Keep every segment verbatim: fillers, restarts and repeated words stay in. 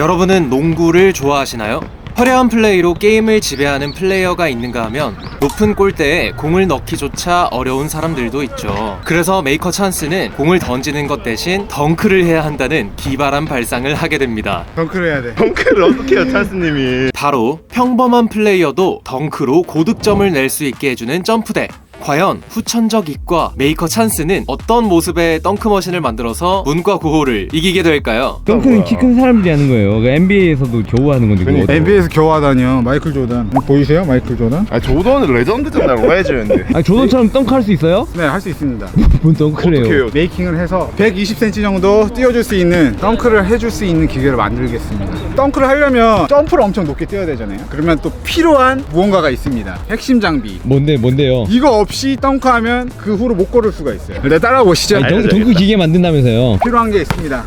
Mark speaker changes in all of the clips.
Speaker 1: 여러분은 농구를 좋아하시나요? 화려한 플레이로 게임을 지배하는 플레이어가 있는가 하면 높은 골대에 공을 넣기조차 어려운 사람들도 있죠. 그래서 메이커 찬스는 공을 던지는 것 대신 덩크를 해야 한다는 기발한 발상을 하게 됩니다.
Speaker 2: 덩크를 해야 돼.
Speaker 3: 덩크를 어떻게 해요, 찬스님이?
Speaker 1: 바로 평범한 플레이어도 덩크로 고득점을 낼 수 있게 해주는 점프대. 과연 후천적 이과 메이커 찬스는 어떤 모습의 덩크머신을 만들어서 문과 구호를 이기게 될까요?
Speaker 4: 덩크는 키 큰 사람들이 하는 거예요. 엔비에이에서도 겨우 하는 건데 그거.
Speaker 2: 엔비에이에서 겨우 하다니요. 마이클 조던 보이세요? 마이클 조던?
Speaker 3: 아, 조던은 레전드잖아요, 레전드.
Speaker 4: 아니 조던처럼 덩크 할 수 있어요?
Speaker 2: 네, 할 수 있습니다.
Speaker 4: 뭔 덩크래요?
Speaker 3: 어떻게 해요?
Speaker 2: 메이킹을 해서 백이십 센티미터 정도 띄워줄 수 있는 덩크를 해줄 수 있는 기계를 만들겠습니다. 덩크를 하려면 점프를 엄청 높게 뛰어야 되잖아요. 그러면 또 필요한 무언가가 있습니다. 핵심 장비.
Speaker 4: 뭔데 뭔데요?
Speaker 2: 이거 없이 덩크하면 그 후로 못 걸을 수가 있어요. 일단 따라와 보시죠.
Speaker 4: 아니, 덩, 덩크 기계 만든다면서요?
Speaker 2: 필요한 게 있습니다.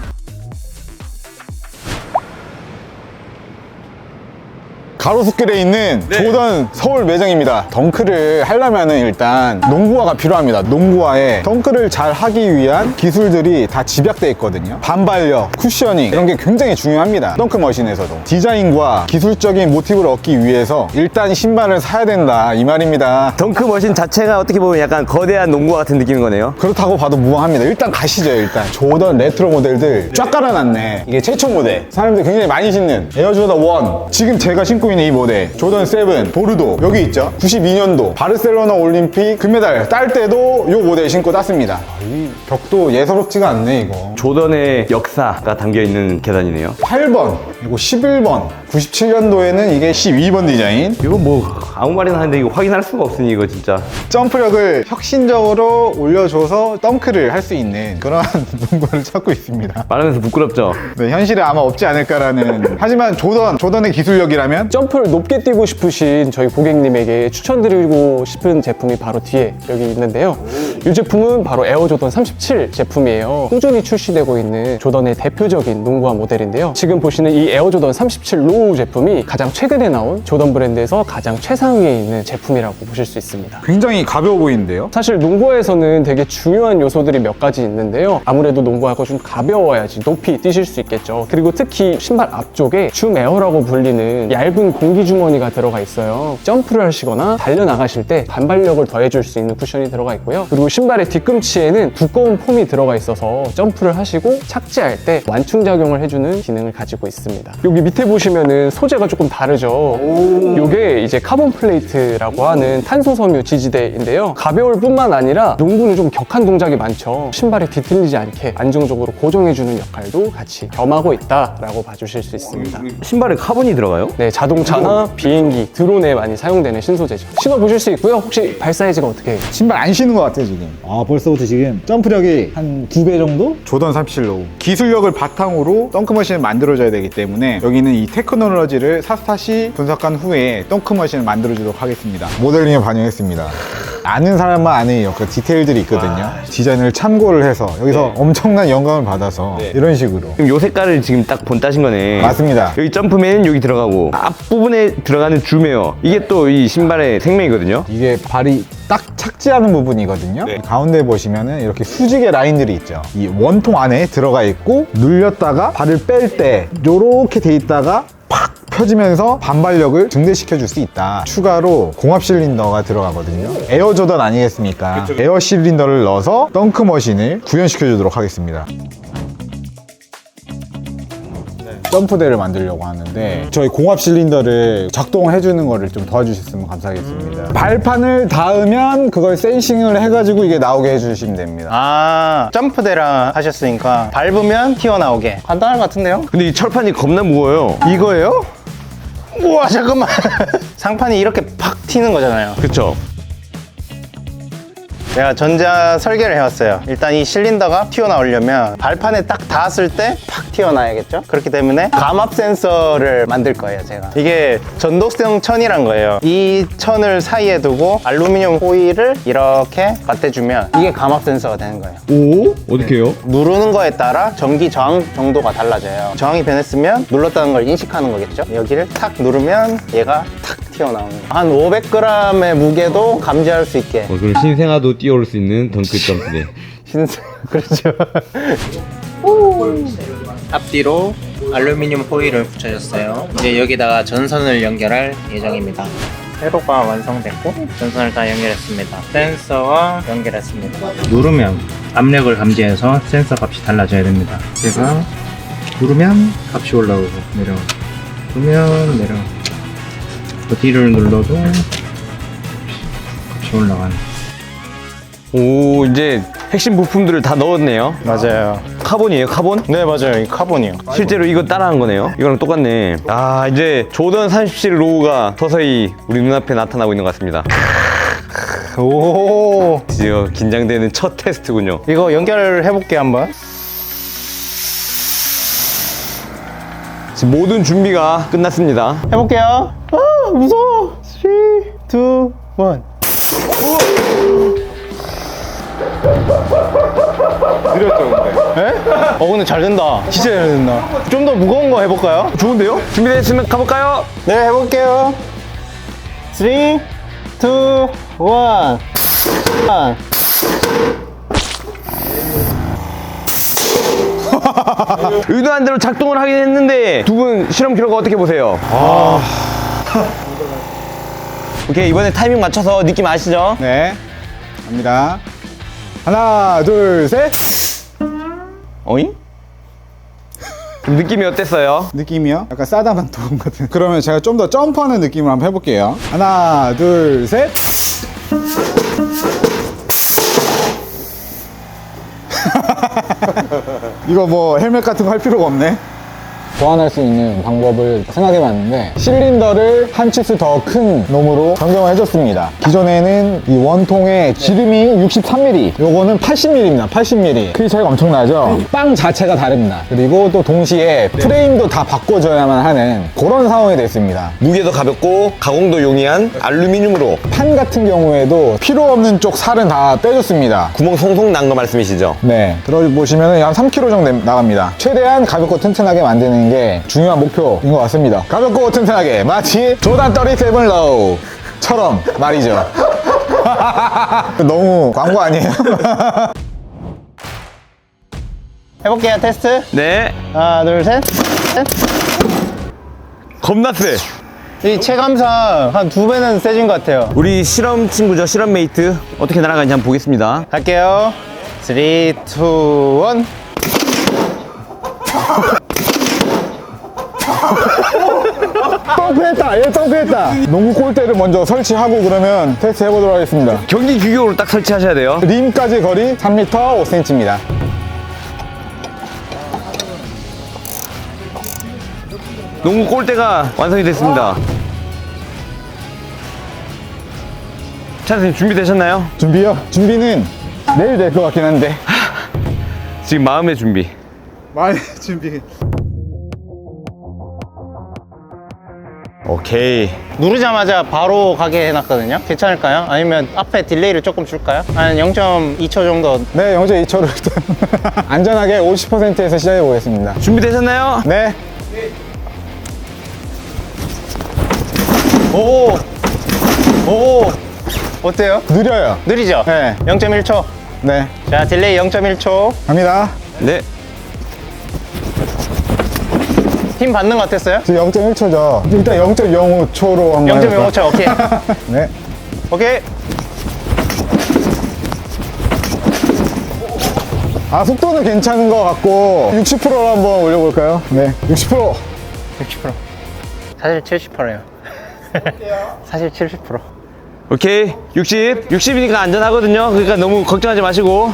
Speaker 5: 가로수길에 있는
Speaker 1: 네.
Speaker 5: 조던 서울 매장입니다. 덩크를 하려면 일단 농구화가 필요합니다. 농구화에 덩크를 잘 하기 위한 기술들이 다 집약되어 있거든요. 반발력, 쿠셔닝 이런 게 굉장히 중요합니다. 덩크 머신에서도 디자인과 기술적인 모티브를 얻기 위해서 일단 신발을 사야 된다 이 말입니다.
Speaker 6: 덩크 머신 자체가 어떻게 보면 약간 거대한 농구화 같은 느낌인 거네요.
Speaker 5: 그렇다고 봐도 무방합니다. 일단 가시죠. 일단 조던 레트로 모델들 쫙 깔아놨네. 이게 최초 모델, 사람들이 굉장히 많이 신는 에어조던 원. 지금 제가 신고 있는 이 모델 조던 세븐 보르도 여기 있죠. 구십이 년도 바르셀로나 올림픽 금메달 딸 때도 이 모델 신고 땄습니다. 아, 이 벽도 예사롭지가 않네 이거.
Speaker 6: 조던의 역사가 담겨있는 계단이네요.
Speaker 5: 팔 번 그리고 십일 번 구십칠 년도에는 이게 십이 번 디자인.
Speaker 6: 이거 뭐 아무 말이나 하는데 이거 확인할 수가 없으니 이거 진짜.
Speaker 5: 점프력을 혁신적으로 올려줘서 덩크를 할 수 있는 그런 농구를 찾고 있습니다.
Speaker 6: 말하면서 부끄럽죠?
Speaker 5: 네, 현실에 아마 없지 않을까라는. 하지만 조던, 조던의 기술력이라면
Speaker 7: 점프를 높게 뛰고 싶으신 저희 고객님에게 추천드리고 싶은 제품이 바로 뒤에 여기 있는데요. 이 제품은 바로 에어조던 삼십칠 제품이에요. 꾸준히 출시되고 있는 조던의 대표적인 농구화 모델인데요. 지금 보시는 이 에어조던 삼십칠 로우 제품이 가장 최근에 나온 조던 브랜드에서 가장 최상위에 있는 제품이라고 보실 수 있습니다.
Speaker 5: 굉장히 가벼워 보이는데요.
Speaker 7: 사실 농구에서는 되게 중요한 요소들이 몇 가지 있는데요. 아무래도 농구화가 좀 가벼워야지 높이 뛰실 수 있겠죠. 그리고 특히 신발 앞쪽에 줌 에어라고 불리는 얇은 공기 주머니가 들어가 있어요. 점프를 하시거나 달려나가실 때 반발력을 더해줄 수 있는 쿠션이 들어가 있고요. 그리고 신발의 뒤꿈치에는 두꺼운 폼이 들어가 있어서 점프를 하시고 착지할 때 완충작용을 해주는 기능을 가지고 있습니다. 여기 밑에 보시면은 소재가 조금 다르죠. 이게 이제 카본 플레이트라고 하는 탄소 섬유 지지대인데요. 가벼울 뿐만 아니라 농구는 좀 격한 동작이 많죠. 신발이 뒤틀리지 않게 안정적으로 고정해주는 역할도 같이 겸하고 있다라고 봐주실 수 있습니다.
Speaker 6: 신발에 카본이 들어가요?
Speaker 7: 네, 자동차나 비행기, 드론에 많이 사용되는 신소재죠. 신어보실 수 있고요. 혹시 발 사이즈가 어떻게 해요?
Speaker 5: 신발 안 신는 것 같아요 지금.
Speaker 8: 아 벌써부터 지금 점프력이 한 두 배 정도?
Speaker 5: 조던 삼십칠 로우. 기술력을 바탕으로 덩크머신을 만들어줘야 되기 때문에 여기는 이 테크놀로지를 샅샅이 분석한 후에 덩크머신을 만들어주도록 하겠습니다. 모델링에 반영했습니다. 아는 사람만 아는 그 디테일들이 있거든요. 디자인을 참고를 해서 여기서 엄청난 영감을 받아서 이런 식으로.
Speaker 6: 그럼 요 색깔을 지금 딱 본따신 거네.
Speaker 5: 맞습니다.
Speaker 6: 여기 점프맨 여기 들어가고 앞부분에 들어가는 줌웨어 이게 또 이 신발의 생명이거든요.
Speaker 5: 이게 발이 딱 착지하는 부분이거든요. 가운데 보시면은 이렇게 수직의 라인들이 있죠. 이 원통 안에 들어가 있고 눌렸다가 발을 뺄 때 요렇게 돼 있다가 팍 펴지면서 반발력을 증대시켜 줄 수 있다. 추가로 공합 실린더가 들어가거든요. 에어 조던 아니겠습니까? 그쵸, 그쵸. 에어 실린더를 넣어서 덩크 머신을 구현시켜 주도록 하겠습니다. 점프대를 만들려고 하는데 저희 공합 실린더를 작동해 주는 거를 좀 도와주셨으면 감사하겠습니다. 음... 발판을 닿으면 그걸 센싱을 해가지고 이게 나오게 해주시면 됩니다.
Speaker 9: 아, 점프대랑 하셨으니까 밟으면 튀어나오게. 간단한 것 같은데요?
Speaker 6: 근데 이 철판이 겁나 무거워요.
Speaker 9: 이거예요? 우와, 잠깐만. 상판이 이렇게 팍 튀는 거잖아요.
Speaker 6: 그쵸?
Speaker 9: 제가 전자 설계를 해왔어요. 일단 이 실린더가 튀어나오려면 발판에 딱 닿았을 때 팍 튀어나와야겠죠? 그렇기 때문에 감압 센서를 만들 거예요, 제가. 이게 전독성 천이란 거예요. 이 천을 사이에 두고 알루미늄 호일을 이렇게 맞대주면 이게 감압 센서가 되는 거예요.
Speaker 4: 오? 어떻게 해요?
Speaker 9: 누르는 거에 따라 전기 저항 정도가 달라져요. 저항이 변했으면 눌렀다는 걸 인식하는 거겠죠? 여기를 탁 누르면 얘가 탁 튀어나오는 거예요. 한 오백 그램의 무게도 감지할 수 있게.
Speaker 4: 어, 그럼 신생아도 뛰어올 수 있는 덩크 점프대.
Speaker 9: 신세, 그렇죠.
Speaker 1: 앞뒤로
Speaker 10: 알루미늄 호일을 붙여줬어요. 이제 여기다가 전선을 연결할 예정입니다. 회로가 완성됐고 전선을 다 연결했습니다. 센서와 연결했습니다. 누르면 압력을 감지해서 센서 값이 달라져야 됩니다. 제가 누르면 값이 올라오고 내려오고 누르면 내려오고 뒤를 눌러도 값이 올라가는.
Speaker 6: 오, 이제 핵심 부품들을 다 넣었네요.
Speaker 9: 맞아요.
Speaker 6: 카본이에요, 카본?
Speaker 9: 네, 맞아요. 이 카본이요.
Speaker 6: 실제로 이거 따라한 거네요. 이거랑 똑같네. 아, 이제 조던 삼십칠 로우가 서서히 우리 눈앞에 나타나고 있는 것 같습니다.
Speaker 9: 오,
Speaker 6: 드디어 긴장되는 첫 테스트군요.
Speaker 9: 이거 연결해볼게요, 한번.
Speaker 6: 지금 모든 준비가 끝났습니다.
Speaker 9: 해볼게요. 아, 무서워. 삼, 이, 일.
Speaker 2: 느렸죠 근데.
Speaker 9: 에? 어, 근데 잘 된다. 진짜 잘 된다. 좀 더 무거운 거 해볼까요?
Speaker 6: 좋은데요? 준비됐으면 가볼까요?
Speaker 9: 네, 해볼게요. 삼, 이, 일.
Speaker 6: 의도한 대로 작동을 하긴 했는데 두 분 실험 결과 어떻게 보세요? 아... 오케이, 이번에 타이밍 맞춰서 느낌 아시죠?
Speaker 2: 네. 갑니다. 하나, 둘, 셋.
Speaker 6: 어잉? 그럼 느낌이 어땠어요?
Speaker 2: 느낌이요? 약간 싸다만 도움 같은. 그러면 제가 좀 더 점프하는 느낌으로 한번 해볼게요. 하나, 둘, 셋. 이거 뭐 헬멧 같은 거 할 필요가 없네.
Speaker 5: 보완할 수 있는 방법을 생각해 봤는데 실린더를 한 치수 더 큰 놈으로 변경을 해줬습니다. 기존에는 이 원통에 지름이 육십삼 밀리미터, 요거는 팔십 밀리미터입니다. 팔십 밀리미터. 크기 차이가 엄청나죠? 빵 자체가 다릅니다. 그리고 또 동시에 프레임도 다 바꿔줘야만 하는 그런 상황이 됐습니다.
Speaker 6: 무게도 가볍고 가공도 용이한 알루미늄으로
Speaker 5: 판 같은 경우에도 필요 없는 쪽 살은 다 빼줬습니다.
Speaker 6: 구멍 송송 난 거 말씀이시죠?
Speaker 5: 네, 들어보시면 한 삼 킬로그램 정도 나갑니다. 최대한 가볍고 튼튼하게 만드는 게 중요한 목표인 것 같습니다. 가볍고 튼튼하게, 마치 조던 삼십칠 로우처럼 말이죠. 너무 광고 아니에요?
Speaker 9: 해볼게요, 테스트.
Speaker 6: 네.
Speaker 9: 하나, 둘, 셋. 셋.
Speaker 6: 겁나 세.
Speaker 9: 이 체감상 한 두 배는 세진 것 같아요.
Speaker 6: 우리 실험 친구죠, 실험 메이트. 어떻게 날아가는지 한번 보겠습니다.
Speaker 9: 갈게요. 삼, 이, 일.
Speaker 5: 점프했다! 얘 점프했다! 농구 골대를 먼저 설치하고 그러면 테스트 해보도록 하겠습니다.
Speaker 6: 경기 규격으로 딱 설치하셔야 돼요.
Speaker 5: 림까지 거리 삼 미터 오 센티미터입니다.
Speaker 6: 농구 골대가 완성이 됐습니다. 찬스님 준비되셨나요?
Speaker 5: 준비요? 준비는 내일 될 것 같긴 한데.
Speaker 6: 지금 마음의 준비.
Speaker 2: 많이 준비.
Speaker 6: 오케이.
Speaker 9: 누르자마자 바로 가게 해놨거든요. 괜찮을까요? 아니면 앞에 딜레이를 조금 줄까요? 한 영 점 이 초 정도.
Speaker 5: 네, 영 점 이 초로 일단 안전하게 오십 퍼센트에서 시작해 보겠습니다.
Speaker 6: 준비되셨나요?
Speaker 5: 네.
Speaker 9: 오! 오! 어때요?
Speaker 5: 느려요.
Speaker 9: 느리죠?
Speaker 5: 네.
Speaker 9: 영 점 일 초.
Speaker 5: 네.
Speaker 9: 자, 딜레이 영 점 일 초.
Speaker 5: 갑니다.
Speaker 6: 네.
Speaker 9: 힘 받는 거 어땠어요?
Speaker 5: 지금 영 점 일 초죠. 일단 영 점 영오 초로 한번
Speaker 9: 영 점 영오
Speaker 5: 해볼까요?
Speaker 9: 초, 오케이.
Speaker 5: 네.
Speaker 9: 오케이.
Speaker 5: 아, 속도는 괜찮은 것 같고 육십 퍼센트로 한번 올려볼까요? 네. 육십 퍼센트.
Speaker 9: 육십 퍼센트. 사실 칠십 퍼센트예요. 사실 칠십 퍼센트.
Speaker 6: 오케이. 육십. 육십이니까 안전하거든요. 그러니까 너무 걱정하지 마시고.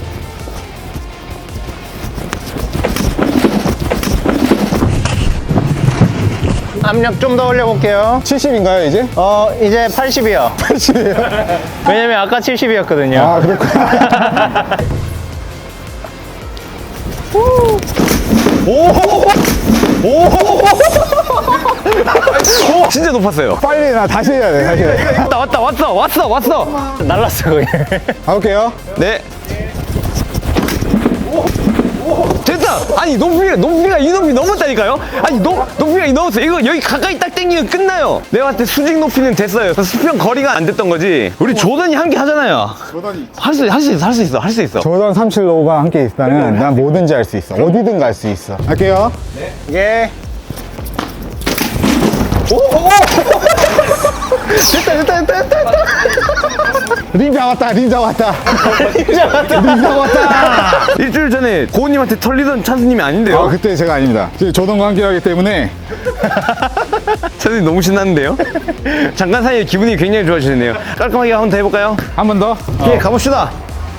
Speaker 9: 압력 좀 더 올려볼게요.
Speaker 5: 칠십인가요, 이제?
Speaker 9: 어, 이제 팔십이요.
Speaker 5: 팔십이에요?
Speaker 9: 왜냐면 아까 칠십이었거든요.
Speaker 5: 아, 그렇구나.
Speaker 6: 진짜 높았어요.
Speaker 5: 빨리 나 다시 해야 돼, 다시 해야 돼.
Speaker 6: 왔다, 왔다, 왔어, 왔어, 왔어.
Speaker 9: 날랐어, 거기.
Speaker 5: 가볼게요.
Speaker 6: 네. 됐다. 끝나! 아니 높이가 높이가 이 높이 넘었다니까요? 아니 높 높이가 이 넘었어. 이거 여기 가까이 딱 당기면 끝나요. 내가 봤을 때 수직 높이는 됐어요. 수평 거리가 안 됐던 거지. 우리 조던이 한 개 하잖아요.
Speaker 2: 조던이
Speaker 6: 할 수 할 수 있어 할 수 있어 할 수 있어.
Speaker 5: 조던 삼십칠 로우가 함께 있다면 난 뭐든지 할 수 있어. 어디든 갈 수 있어. 할게요.
Speaker 9: 예. 됐다 됐다 됐다 됐다.
Speaker 5: 림 잡았다, 림 잡았다. 림 잡았다. 림 잡았다.
Speaker 6: 일주일 전에 고은님한테 털리던 찬스님이 아닌데요?
Speaker 5: 아, 그때 제가 아닙니다. 지금 조던과 함께 하기 때문에.
Speaker 6: 찬스님 너무 신났는데요? 잠깐 사이에 기분이 굉장히 좋아지네요. 깔끔하게 한번 더 해볼까요?
Speaker 5: 한 번 더.
Speaker 6: 예, 가봅시다.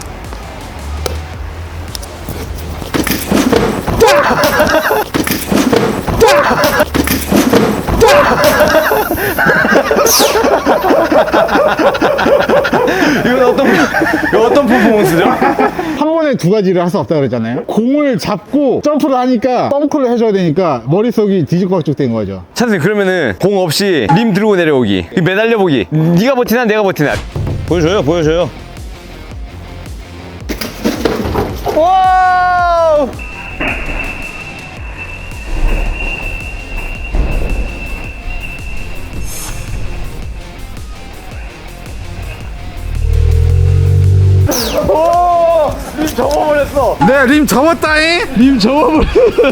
Speaker 6: 이건 어떤 이거 어떤 퍼포먼스죠?
Speaker 5: 한 번에 두 가지를 할 수 없다고 그랬잖아요. 공을 잡고 점프를 하니까 덩크를 해줘야 되니까 머릿속이 뒤죽박죽 된 거죠.
Speaker 6: 찬스님 그러면은 공 없이 림 들고 내려오기, 매달려 보기. 네가 버티나 내가 버티나. 보여줘요, 보여줘요. 와우! 오! 림 접어버렸어.
Speaker 2: 네, 림 접었다잉.
Speaker 4: 님 접어버려.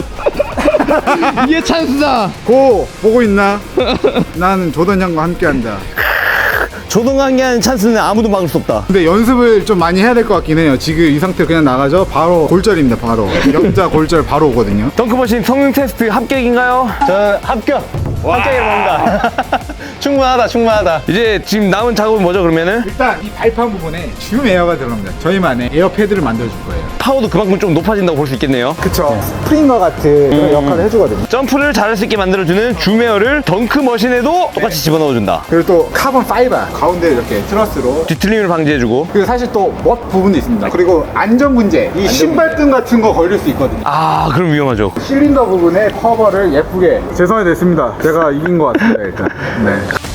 Speaker 4: 이게 찬스다.
Speaker 2: 고 보고 있나? 나는 조던 형과 함께한다.
Speaker 6: 조동관계 하는 찬스는 아무도 막을 수 없다.
Speaker 2: 근데 연습을 좀 많이 해야 될 것 같긴 해요. 지금 이 상태로 그냥 나가죠. 바로 골절입니다. 바로 역자 골절 바로 오거든요.
Speaker 6: 덩크머신 성능 테스트 합격인가요?
Speaker 9: 저 합격. 합격이라고 봅니다. 충분하다 충분하다.
Speaker 6: 이제 지금 남은 작업은 뭐죠 그러면은?
Speaker 2: 일단 이 발판 부분에 줌 에어가 들어갑니다. 저희만의 에어 패드를 만들어줄 거예요.
Speaker 6: 파워도 그만큼 좀 높아진다고 볼 수 있겠네요.
Speaker 2: 그쵸.
Speaker 5: 스프링과 같은 그런 역할을 해주거든요.
Speaker 6: 점프를 잘할 수 있게 만들어주는 줌에어를 덩크머신에도 똑같이 집어넣어준다.
Speaker 2: 그리고 또 카본 파이버 가운데 이렇게 트러스로.
Speaker 6: 뒤틀림을 방지해주고.
Speaker 2: 그리고 사실 또 멋 부분도 있습니다. 그리고 안전 문제, 이 신발끈 같은 거 걸릴 수 있거든요.
Speaker 6: 아 그럼 위험하죠.
Speaker 2: 실린더 부분에 커버를 예쁘게 재성이 됐습니다. 제가 이긴 것 같습니다. 일단. 네.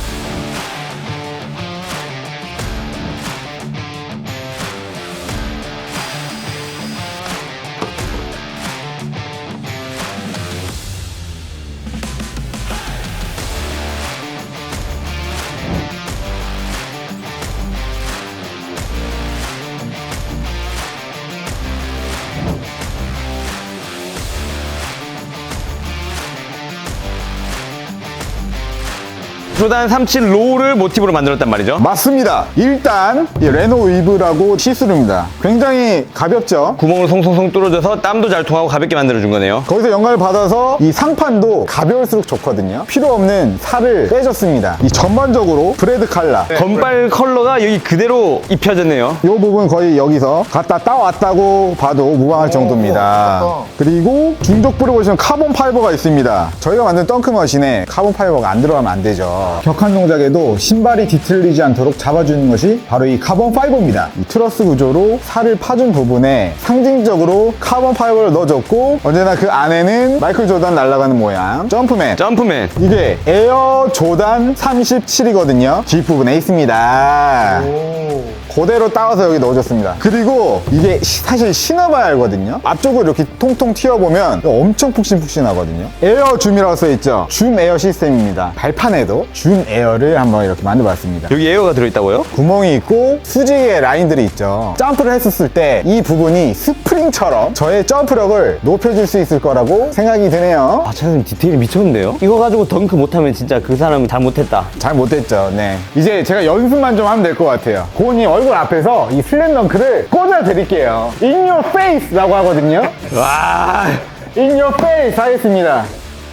Speaker 6: 조단 삼십칠 로우를 모티브로 만들었단 말이죠.
Speaker 5: 맞습니다. 일단 이 레노 위브라고 시스루입니다. 굉장히 가볍죠.
Speaker 6: 구멍을 송송송 뚫어줘서 땀도 잘 통하고 가볍게 만들어준 거네요.
Speaker 5: 거기서 영감을 받아서 이 상판도 가벼울수록 좋거든요. 필요 없는 살을 빼줬습니다. 이 전반적으로 브레드 칼라
Speaker 6: 건발 컬러가 여기 그대로 입혀졌네요.
Speaker 5: 이 부분 거의 여기서 갖다 따왔다고 봐도 무방할 정도입니다. 그리고 중족부를 보시면 카본 파이버가 있습니다. 저희가 만든 덩크머신에 카본 파이버가 안 들어가면 안 되죠. 격한 동작에도 신발이 뒤틀리지 않도록 잡아주는 것이 바로 이 카본 파이버입니다. 이 트러스 구조로 살을 파준 부분에 상징적으로 카본 파이버를 넣어줬고, 언제나 그 안에는 마이클 조던 날아가는 모양 점프맨
Speaker 6: 점프맨.
Speaker 5: 이게 에어 조단 삼십칠이거든요. 뒷부분에 있습니다. 그대로 따와서 여기 넣어줬습니다. 그리고 이게 시- 사실 신어봐야 알거든요. 앞쪽으로 이렇게 통통 튀어보면 엄청 푹신푹신하거든요. 에어 줌이라고 써있죠. 줌 에어 시스템입니다. 발판에도 줌 에어를 한번 이렇게 만들어봤습니다.
Speaker 6: 여기 에어가 들어있다고요?
Speaker 5: 구멍이 있고 수직의 라인들이 있죠. 점프를 했었을 때 이 부분이 스프링처럼 저의 점프력을 높여줄 수 있을 거라고 생각이 드네요.
Speaker 6: 아 찬스님 디테일이 미쳤는데요? 이거 가지고 덩크 못하면 진짜 그 사람은 잘못했다.
Speaker 5: 잘 못했죠. 네. 이제 제가 연습만 좀 하면 될 것 같아요. 고은님 얼굴 앞에서 이 슬램덩크를 꽂아드릴게요. In your face! 라고 하거든요.
Speaker 6: 와.
Speaker 5: In your face! 하겠습니다.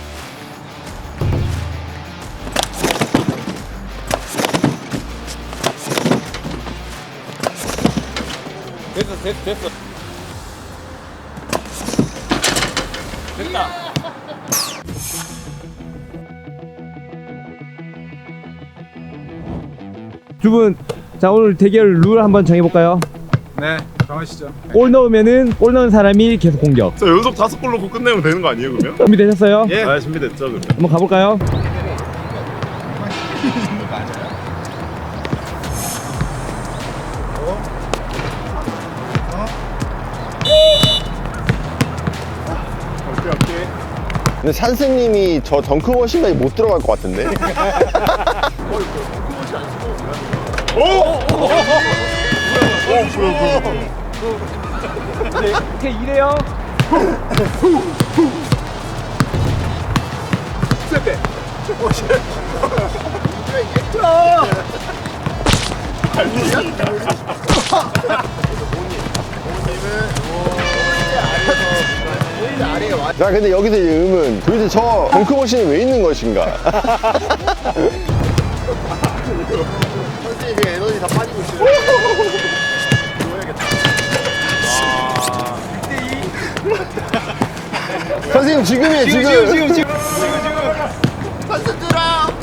Speaker 4: 두 분, 자 오늘 대결 룰 한번 정해볼까요?
Speaker 2: 네, 정하시죠.
Speaker 4: 골 넣으면은 골 넣은 사람이 계속 공격.
Speaker 3: 저 연속 다섯 골 넣고 끝내면 되는 거 아니에요 그러면?
Speaker 4: 준비되셨어요?
Speaker 2: 예.
Speaker 3: 아 준비됐죠 그러면.
Speaker 4: 한번 가볼까요?
Speaker 3: 근데 산스님이 저 덩크머신까지 못 들어갈 것 같은데?
Speaker 6: 이렇게 이래요.
Speaker 3: 자, 근데 여기서 이제 의문. 도대체 저 덩크머신이 왜 있는 것인가? 선생님, 에너지 다 빠지고 있어요. 선생님, 지금이에요, 지금. 지금, 지금, 지금. 선수들아!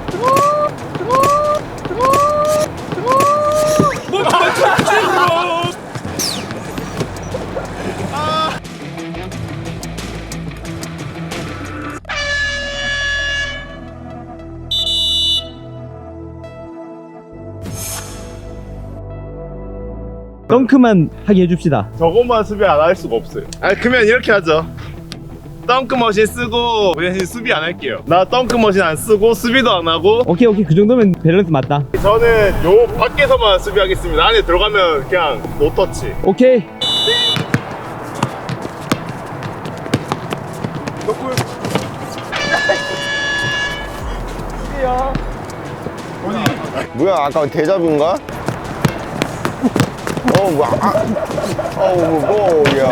Speaker 4: 덩크만 하게 해줍시다.
Speaker 3: 저것만 수비 안 할 수가 없어요. 아, 그러면 이렇게 하죠. 덩크머신 쓰고 그 대신 수비 안 할게요. 나 덩크머신 안 쓰고 수비도 안 하고.
Speaker 4: 오케이 오케이 그 정도면 밸런스 맞다.
Speaker 3: 저는 요 밖에서만 수비하겠습니다. 안에 들어가면 그냥 노터치.
Speaker 4: 오케이.
Speaker 3: 뭐야, 아까 대자뷰인가? 어, 뭐야. 아. 어, 뭐, 뭐, 야.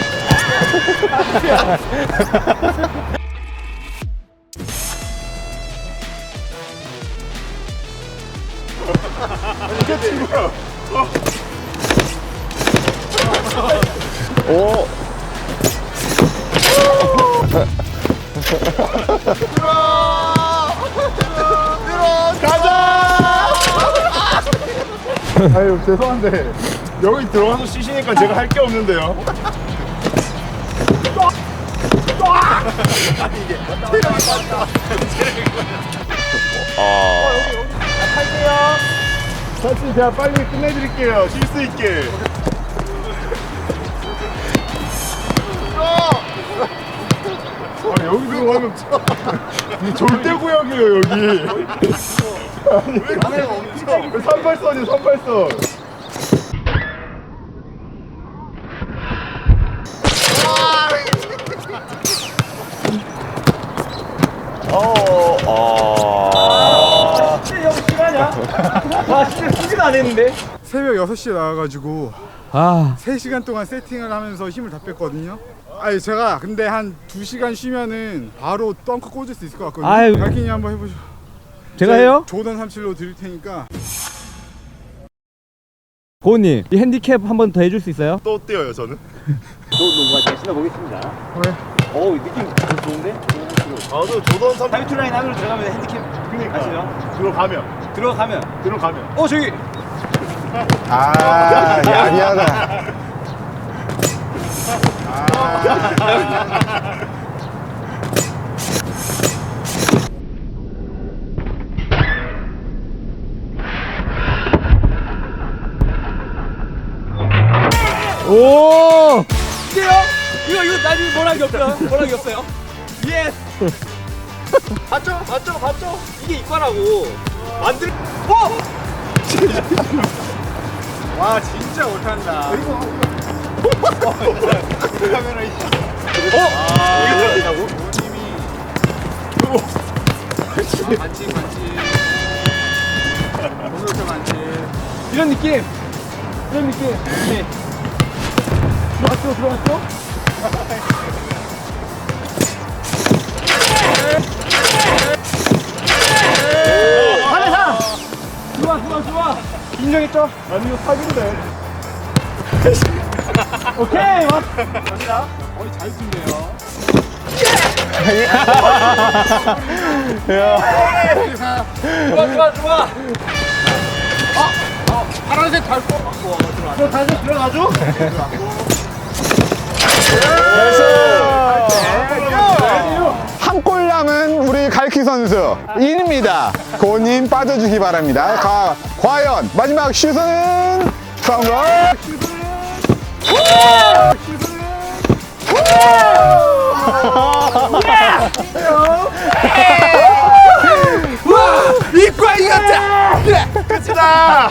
Speaker 3: 이게 친구야. 오. 아유, 죄송한데 여기 들어가서 쉬시니까 제가 할 게 없는데요. 이게 아. 할게요. 사실 제가 빨리 끝내드릴게요. 쉴 수 있게. 아, 여기 들어가면 이 절대구역이에요, 여기. 왜 카메라가 없죠? 삼팔선이요, 삼팔선. 어, 어.
Speaker 6: 진짜 형 실화냐? 와, 진짜 수비도 안 했는데.
Speaker 2: 새벽 여섯 시에 나와가지고
Speaker 4: 아
Speaker 2: 세 시간 동안 세팅을 하면서 힘을 다 뺐거든요. 아니 제가 근데 한 두 시간 쉬면은 바로 덩크 꽂을 수 있을 것 같거든요.
Speaker 4: 아유.
Speaker 2: 갈키니 한번 해보죠.
Speaker 4: 제가 해요?
Speaker 2: 조던 삼십칠로 드릴 테니까.
Speaker 4: 고은님 이 핸디캡 한 번 더 해줄 수 있어요?
Speaker 3: 또 뛰어요, 저는.
Speaker 6: 또 농구가 잘 신어보겠습니다.
Speaker 2: 왜?
Speaker 6: 어우, 느낌 좋은데?
Speaker 3: 아, 저 조던 삼.
Speaker 6: 타이틀 라인 안으로 들어가면 핸디캡 하시죠?
Speaker 3: 들어가면.
Speaker 6: 들어가면.
Speaker 3: 들어가면.
Speaker 6: 어, 저기.
Speaker 5: 아, 야비하다.
Speaker 4: 오!
Speaker 6: 이게요? 이거, 이거 나중에 뭐라기 없어요? 뭐라기 없어요? 예스! 봤죠? 봤죠? 봤죠? 이게 이과라고. 만들, 어!
Speaker 2: 와 진짜 못한다. 카메라 있어.
Speaker 6: 어? 이게 들어간다고?
Speaker 2: 반칙 반칙. 오늘부터 반칙.
Speaker 6: 이런 느낌. 이런 느낌. 네. 들어갔죠? 들어갔죠? 하나 좋아 좋아 좋아. 인정했죠?
Speaker 3: 아니, 이거 사기인데.
Speaker 6: 오케이 왔. 갑니다.
Speaker 2: 어이 잘 쏜대요.
Speaker 6: 좋아 좋아 좋아.
Speaker 2: 파란색 잘 쏘.
Speaker 6: 저 다시 들어가죠?
Speaker 5: 한 골 남은 우리 갈키 선수 인입니다. 고님 빠져주기 바랍니다. 가, 과연 마지막 슛은 성공! 슛은
Speaker 3: 이과 이겼다. 끝이다.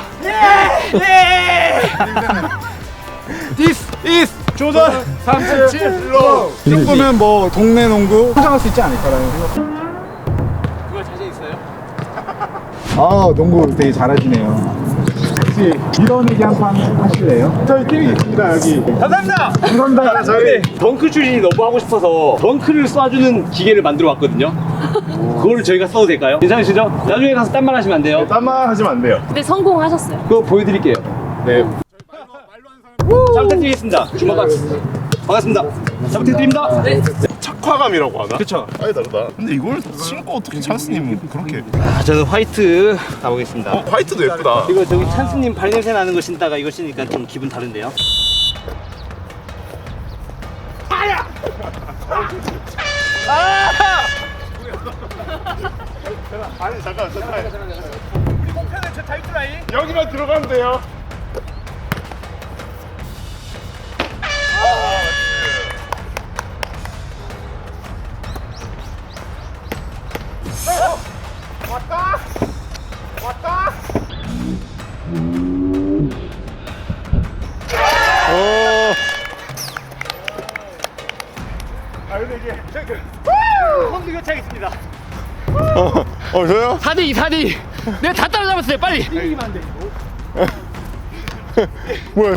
Speaker 2: This is 조던 삼십칠 로. 축구면 뭐 동네 농구 포장할 수 있지 않을까라는 생각. 그거 자신 있어요? 아 농구 되게 잘하시네요. 혹시 이런 얘기 한 판 하실래요? 저희 팀이 있습니다 여기.
Speaker 6: 감사합니다.
Speaker 2: 감사합니다.
Speaker 6: 저희 덩크 출신이 너무 하고 싶어서 덩크를 쏴주는 기계를 만들어 왔거든요. 그거를 저희가 써도 될까요? 괜찮으시죠? 나중에 가서 딴 말 하시면 안 돼요.
Speaker 3: 딴말 하시면 안 돼요.
Speaker 11: 근데 성공하셨어요.
Speaker 6: 그거 보여드릴게요. 네. 잘 부탁드리겠습니다. 주먹 반갑습니다. 잘 부탁드립니다. 네.
Speaker 3: 착화감이라고 하나?
Speaker 6: 그쵸.
Speaker 3: 아니 다르다. 근데 이걸 신고 어떻게 찬스님 그렇게?
Speaker 6: 아, 저는 화이트 가보겠습니다.
Speaker 3: 어, 화이트도 예쁘다.
Speaker 6: 이거 저기 찬스님 발냄새 나는 거 신다가 이거 신으니까 좀 기분 다른데요?
Speaker 3: 아니 잠깐 잠깐. 우리 목표는 저 타이트라인. 여기만 들어가면 돼요. 왔다! 왔다! 오! 아 근데 이게
Speaker 6: 선수 교체하겠습니다.
Speaker 3: 어, 어 저요?
Speaker 6: 사 대 이, 사 대 이. 내가 다 따라잡았어요, 빨리!
Speaker 2: 이기면 안 돼.
Speaker 3: 뭐야?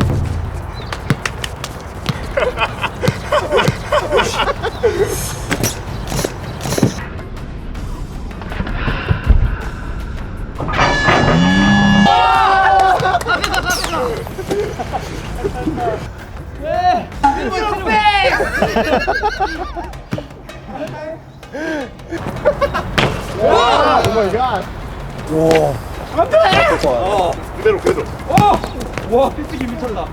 Speaker 3: 그대로 그대로.
Speaker 6: 와, 피치기 미쳤다.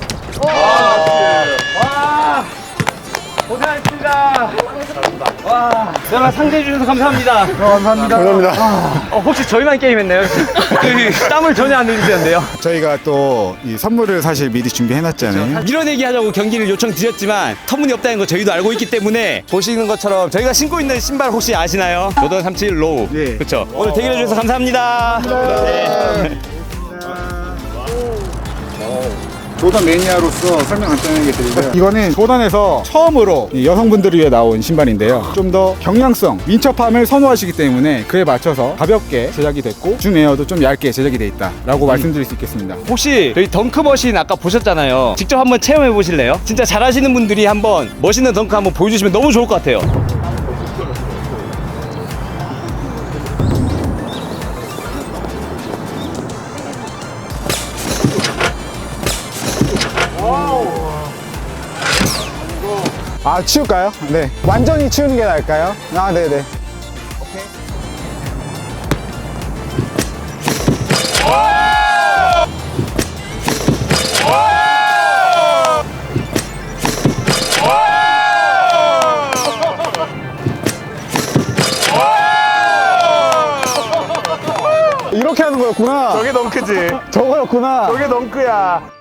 Speaker 6: 고생하셨습니다. 와, 여러분 상대해주셔서 감사합니다.
Speaker 2: 감사합니다.
Speaker 3: 감사합니다.
Speaker 6: 어, 혹시 저희만 게임했나요? 그 땀을 전혀 안 흘리셨는데요?
Speaker 2: 저희가 또 이 선물을 사실 미리 준비해놨잖아요.
Speaker 6: 밀어내기 하자고 경기를 요청드렸지만 터무니없다는 거 저희도 알고 있기 때문에 보시는 것처럼 저희가 신고 있는 신발 혹시 아시나요? 조던 삼십칠 로우.
Speaker 2: 예.
Speaker 6: 그렇죠. 오늘 대결해 주셔서 감사합니다. 네.
Speaker 2: 조던 매니아로서 설명 간단하게 드리고요. 이거는 조던에서 처음으로 이 여성분들을 위해 나온 신발인데요. 좀 더 경량성, 민첩함을 선호하시기 때문에 그에 맞춰서 가볍게 제작이 됐고 줌 에어도 좀 얇게 제작이 돼 있다라고 말씀드릴 수 있겠습니다.
Speaker 6: 혹시 저희 덩크 머신 아까 보셨잖아요. 직접 한번 체험해 보실래요? 진짜 잘하시는 분들이 한번 멋있는 덩크 한번 보여주시면 너무 좋을 것 같아요.
Speaker 5: 아, 치울까요? 네. 완전히 치우는 게 나을까요? 아, 네네. 이렇게 하는 거였구나.
Speaker 3: 저게 덩크지.
Speaker 5: 저거였구나.
Speaker 3: 저게 덩크야.